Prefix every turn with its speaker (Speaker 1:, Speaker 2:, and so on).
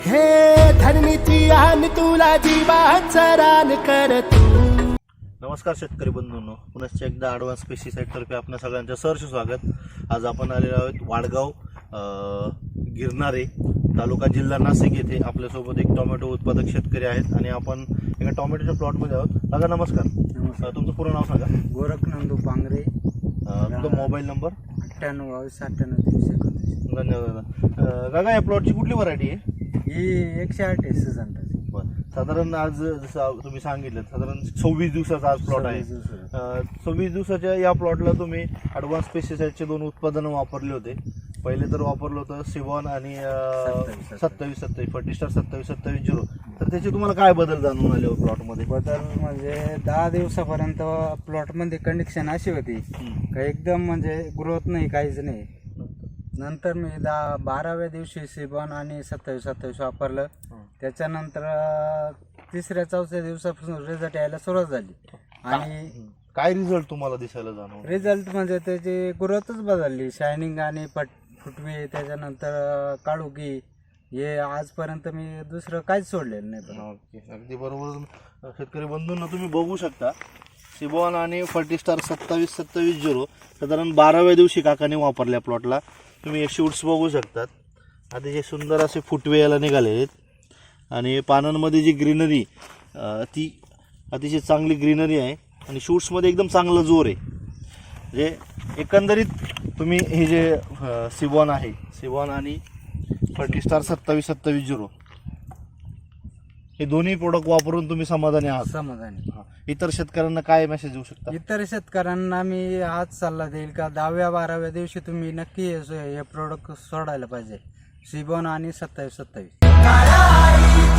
Speaker 1: हे धरणीची आन तुला जीवाचं रान कर तू.
Speaker 2: नमस्कार शेतकरी बंधूंनो, पुनश्च एकदा ॲडव्हान्स पेस्टिसाइड तर्फे आपल्या सगळ्यांचं सहर्ष स्वागत. आज आपण आलेलो आहोत वाडगाव गिरणारे तालुका जिल्हा नाशिक येथे. आपल्यासोबत एक टोमॅटो उत्पादक शेतकरी आहेत आणि आपण एका टोमॅटोच्या प्लॉटमध्ये आहोत. दादा नमस्कार. तुमचं पूर्ण नाव सांगा.
Speaker 3: गोरखनंदू पांगरे,
Speaker 2: तुमचा मोबाईल नंबर.
Speaker 3: 98
Speaker 2: धन्यवाद दादा. या प्लॉटची कुठली व्हरायटी आहे?
Speaker 3: ही 108 आहे सीझन.
Speaker 2: साधारण आज जसं तुम्ही सांगितलं साधारण 26 दिवसाचा आज प्लॉट आहे. 26 दिवसाच्या या प्लॉटला तुम्ही ॲडव्हान्स पेस्टिसाइडचे 2 उत्पादनं वापरले होते. पहिले तर वापरलं होतं सिवॉन आणि 27 फर्टिस्टार 27-27-0. तर त्याचे तुम्हाला काय बदल जाणून आले प्लॉटमध्ये?
Speaker 3: बदल म्हणजे 10 दिवसापर्यंत प्लॉटमध्ये कंडिशन अशी होती का एकदम म्हणजे ग्रोथ नाही, काहीच नाही. नंतर मी 12व्या दिवशी सिबॉन आणि 27-27 वापरलं. त्याच्यानंतर 3-4 दिवसापासून रिझल्ट यायला सुरुवात झाली. आणि
Speaker 2: काय रिझल्ट तुम्हाला दिसायला जाणवला?
Speaker 3: रिझल्ट म्हणजे त्याची ग्रोथच बदलली. शायनिंग आणि फुटवे, त्याच्यानंतर काळुकी, हे आजपर्यंत मी दुसरं काहीच सोडलेलं नाही.
Speaker 2: ओके, अगदी बरोबर. शेतकरी बंधूंना तुम्ही बघू शकता सिबॉन आणि फर्टिस्टार 27-27-0 साधारण 12व्या दिवशी काकाने वापरल्या प्लॉटला. तुम्ही शूट्स बघू शकतात. अतिशय सुंदर असे फुटवे याला निघाले आहेत आणि पानांमध्ये जी ग्रीनरी ती अतिशय चांगली ग्रीनरी आहे आणि शूट्समध्ये एकदम चांगला जोर आहे. म्हणजे एकंदरीत तुम्ही हे जे सिबॉन आहे, सिबॉन आणि फर्टिस्टार 27-27-0 हे दोन्ही प्रोडक्ट वापरून तुम्ही समाधानी आहात?
Speaker 3: समाधानी.
Speaker 2: इतर शेतकऱ्यांना काय मेसेज देऊ शकता?
Speaker 3: इतर शेतकऱ्यांना मी हाच सल्ला देईल का 10व्या-12व्या दिवशी तुम्ही नक्की हे प्रोडक्ट सोडायला पाहिजे, सिबॉन आणि 27-27.